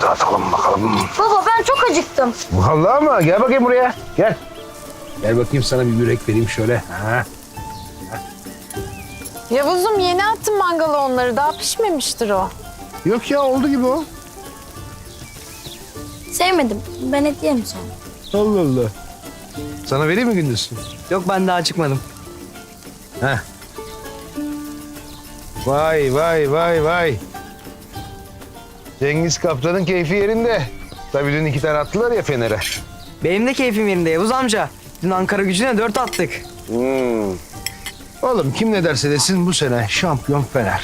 Dağıtalım bakalım. Baba ben çok acıktım. Vallahi mı? Gel bakayım buraya. Gel. Gel bakayım sana bir börek vereyim şöyle. Ha. Yavuz'um yeni attım mangala onları. Daha pişmemiştir o. Yok ya oldu gibi o. Sevmedim. Ben et yerim sonra. Allah Allah. Sana vereyim mi Gündüz? Yok ben daha çıkmadım. Heh. Vay vay vay vay. Cengiz Kaptan'ın keyfi yerinde. Tabii dün 2 tane attılar ya Fener'e. Benim de keyfim yerinde Yavuz amca. Dün Ankara Gücü'ne 4 attık. Oğlum kim ne derse desin bu sene şampiyon Fener.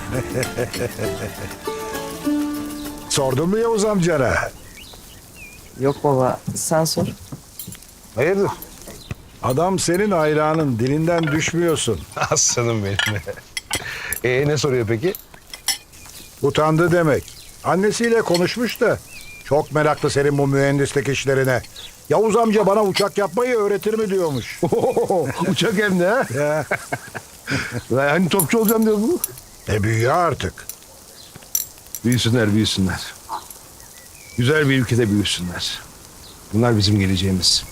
Sordun mu Yavuz amcana? Yok baba sen sor. Hayırdır? Adam senin hayranın, dilinden düşmüyorsun. Aslanım benim. Ne soruyor peki? Utandı demek. Annesiyle konuşmuş da çok meraklı senin bu mühendislik işlerine. Yavuz amca bana uçak yapmayı öğretir mi diyormuş. Uçak hem de ha. Ya, Lan hani topçu olacağım diyor bu. büyüyor artık. Büyüsünler, büyüsünler. Güzel bir ülkede büyüsünler. Bunlar bizim geleceğimiz.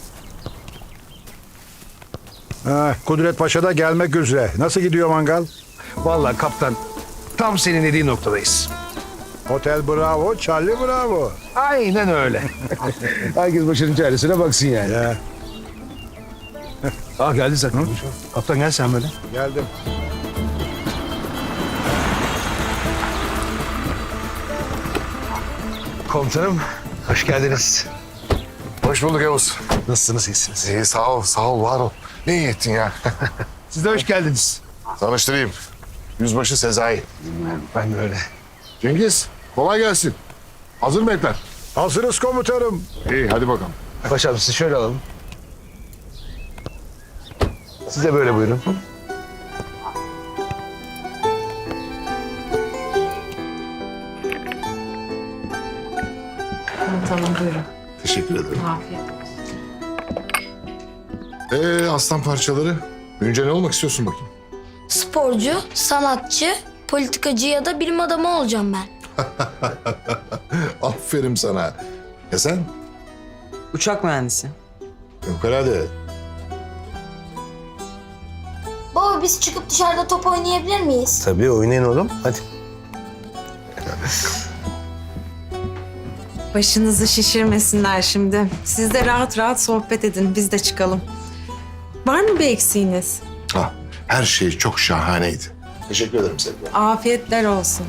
Ha, Kudret Paşa da gelmek üzere. Nasıl gidiyor mangal? Vallahi kaptan tam senin dediğin noktadayız. Otel bravo, Charlie bravo. Aynen öyle. Herkes başının çaresine baksın yani. Ya, Geldi zaten. Kaptan gel sen böyle. geldim. Komutanım hoş geldiniz. Hoş bulduk Yavuz. Nasılsınız, iyisiniz? İyi sağ ol, var ol. Ne iyi ettin ya. Siz de hoş geldiniz. Tanıştırayım. Yüzbaşı Sezai. Ben de öyle. Cengiz, kolay gelsin. Hazır mı etler? Hazırız komutanım. İyi, hadi bakalım. Paşam sizi şöyle alalım. Siz de böyle buyurun. Tamam buyurun. Teşekkür ederim. Afiyet olsun. Aslan parçaları. Büyünce ne olmak istiyorsun bakayım? Sporcu, sanatçı, politikacı ya da bilim adamı olacağım ben. Aferin sana. Ya sen? Uçak mühendisi. Fevkalade. Baba biz çıkıp dışarıda top oynayabilir miyiz? Tabii oynayın oğlum. Hadi. Başınızı şişirmesinler şimdi. Siz de rahat rahat sohbet edin. Biz de çıkalım. Var mı bir eksiğiniz? Her şey çok şahaneydi. Teşekkür ederim sevgilim. Afiyetler olsun.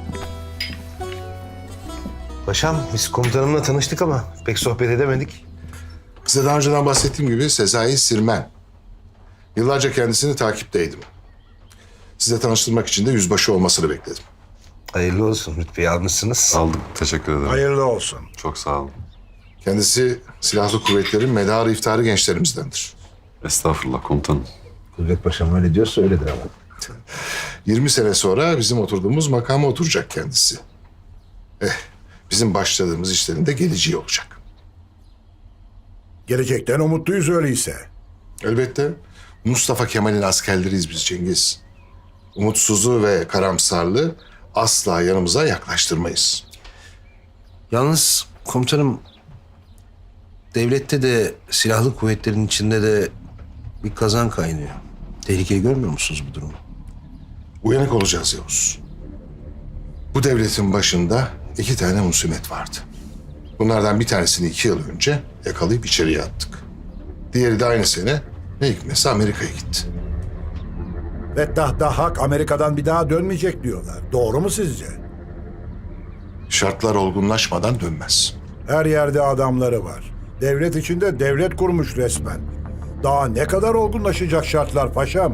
Paşam biz komutanımla tanıştık ama pek sohbet edemedik. Size daha önceden bahsettiğim gibi Sezai Sirmen. Yıllarca kendisini takipteydim. Size tanıştırmak için de yüzbaşı olmasını bekledim. Hayırlı olsun. Rütbeyi almışsınız. Aldım. Teşekkür ederim. Hayırlı olsun. Çok sağ olun. Kendisi silahlı kuvvetlerin medarı iftiharı gençlerimizdendir. Estağfurullah komutanım. Kudret Paşam öyle diyorsa öyledir ama. 20 sene sonra bizim oturduğumuz makama oturacak kendisi. Bizim başladığımız işlerin de geleceği olacak. Gelecekten umutluyuz öyleyse. Elbette Mustafa Kemal'in askerleriyiz biz Cengiz. Umutsuzu ve karamsarlığı asla yanımıza yaklaştırmayız. Yalnız komutanım devlette de silahlı kuvvetlerin içinde de bir kazan kaynıyor. Tehlikeyi görmüyor musunuz bu durumu? Uyanık olacağız Yavuz. Bu devletin başında 2 tane husumet vardı. Bunlardan bir tanesini 2 yıl önce yakalayıp içeriye attık. Diğeri de aynı sene ne hikmetse Amerika'ya gitti. Fettah Dahhak Amerika'dan bir daha dönmeyecek diyorlar. Doğru mu sizce? Şartlar olgunlaşmadan dönmez. Her yerde adamları var. Devlet içinde devlet kurmuş resmen. Daha ne kadar olgunlaşacak şartlar paşam?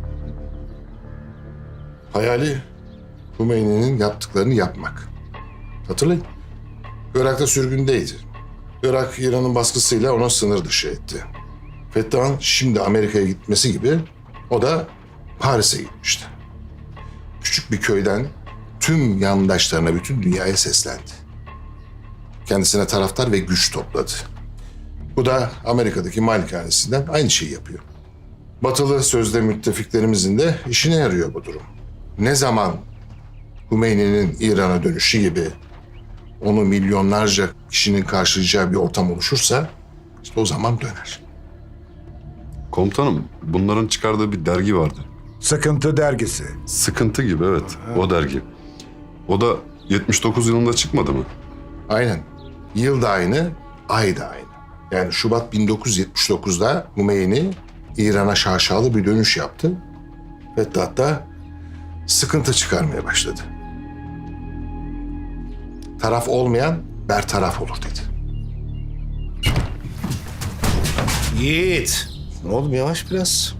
Hayali Hümeyni'nin yaptıklarını yapmak. Hatırlayın. Irak'ta sürgündeydi. Irak İran'ın baskısıyla onu sınır dışı etti. Fettah'ın şimdi Amerika'ya gitmesi gibi o da Paris'e gitmişti. Küçük bir köyden tüm yandaşlarına, bütün dünyaya seslendi. Kendisine taraftar ve güç topladı. Bu da Amerika'daki malikanesinden aynı şeyi yapıyor. Batılı sözde müttefiklerimizin de işine yarıyor bu durum. Ne zaman Hümeyni'nin İran'a dönüşü gibi onu milyonlarca kişinin karşılayacağı bir ortam oluşursa işte o zaman döner. Komutanım, bunların çıkardığı bir dergi vardı. Sıkıntı dergisi. Sıkıntı gibi, evet. O dergi. O da 79 yılında çıkmadı mı? Aynen. Yıl da aynı, ay da aynı. Yani Şubat 1979'da Hümeyni İran'a şaşalı bir dönüş yaptı. Fettah da sıkıntı çıkarmaya başladı. Taraf olmayan bertaraf olur dedi. Yiğit. Oğlum yavaş biraz.